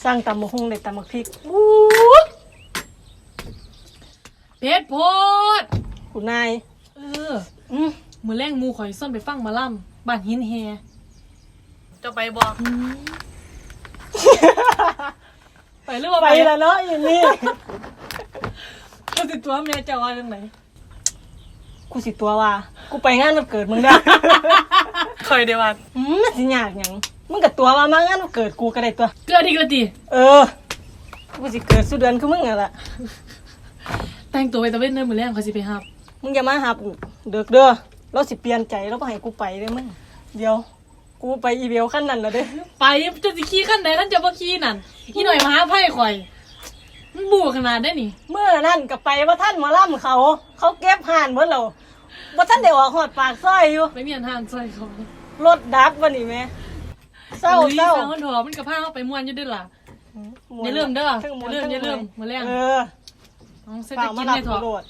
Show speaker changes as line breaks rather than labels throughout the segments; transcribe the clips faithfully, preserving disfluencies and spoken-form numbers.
สร้างตำมะฮุ่งในตำมะพริก
อู้เพชรโพด
คุณนาย
เอออืมมือแรงมูข่อยส้นไปฟังมาล่ำบ้านหินแฮจะไปบอก ไปหรือว่า
ไปแล้วเนาะอย่างนี้
กูติดตัวแม่จะว่าเรื่องไหน
กูสิตัวว่ากูไปงานวันเกิดมึงได้
เคยได้วัน
อืมมันสิยากหยังมึงกับตัวว่ามางานวันเกิดกูก็ได้ตัว
เกิดอีกแล้วดิ
เออกูสิเกิดสุดเดือนคือมึงอ่ะล่ะ
แต่งตัวไปตะเวนเดินมือแรงเขาสิไปหับ
มึงอย่ามาหากูเด็กเด้อเราสิเปลี่ยนใจเราบ่ให้กูไปเด้อมึงเดี๋ยวกูไปอีเวลขั้นนั้นแล้วเด้
ไปจะสิขี่ขั้นไหนขั้นจะบ่ขี่นั่นขี่หน่อยมาหาไพ่ข่อยมันบูขนาดได้นี่
เมื่อนั่นก็ไปว่าท่านหมาล่ำเขา เขาเก็บห่านเบิดแล้วว่าท่านเดี๋ยวออกหอดปากซอยอยู่
ไปเมียนทางซอยเขา
รถดับวันนี้แม่เศร้าเศร้า
มันถอมันกระพ้าเข้าไปม้วนอยู่ด้วยล่ะอย่าลืมเด้ออย่าลืมอย่าลืมมือแรง
เออ
น้องเศรษฐกิจในถอด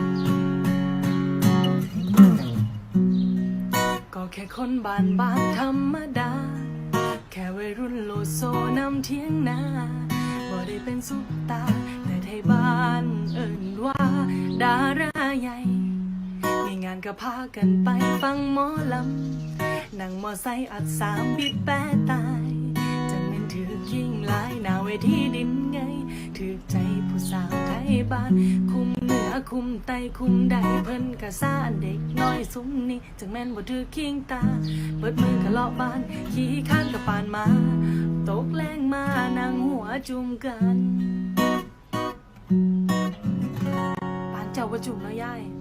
ก็แค่คนบ้านบ้านธรรมดาแค่วัยรุ่นโลโซนำเทียงนาบ่ได้เป็นซุปตาแต่ไทยบ้านเอิ่นว่าดาราใหญ่มีงานก็พากันไปฟังหมอลำนั่งมอไซค์อัดสามบิดแปะตายจังเป็นถือยิ่งหลายหน้าเวทีดินไงถือใจผู้สาวไทยบ้านคุมเหนือคุมไตคุมใดเพิ่นกะซ่าเด็กน้อยซุ้มนี่จังแม่นบ่ถือคิงตาเปิดมือกะเลาะบ้านขี่ข้านกะปานมาตกแรงมานั่งหัวจุ่มกันปานเจ้าบ่จุ่มเนาะยาย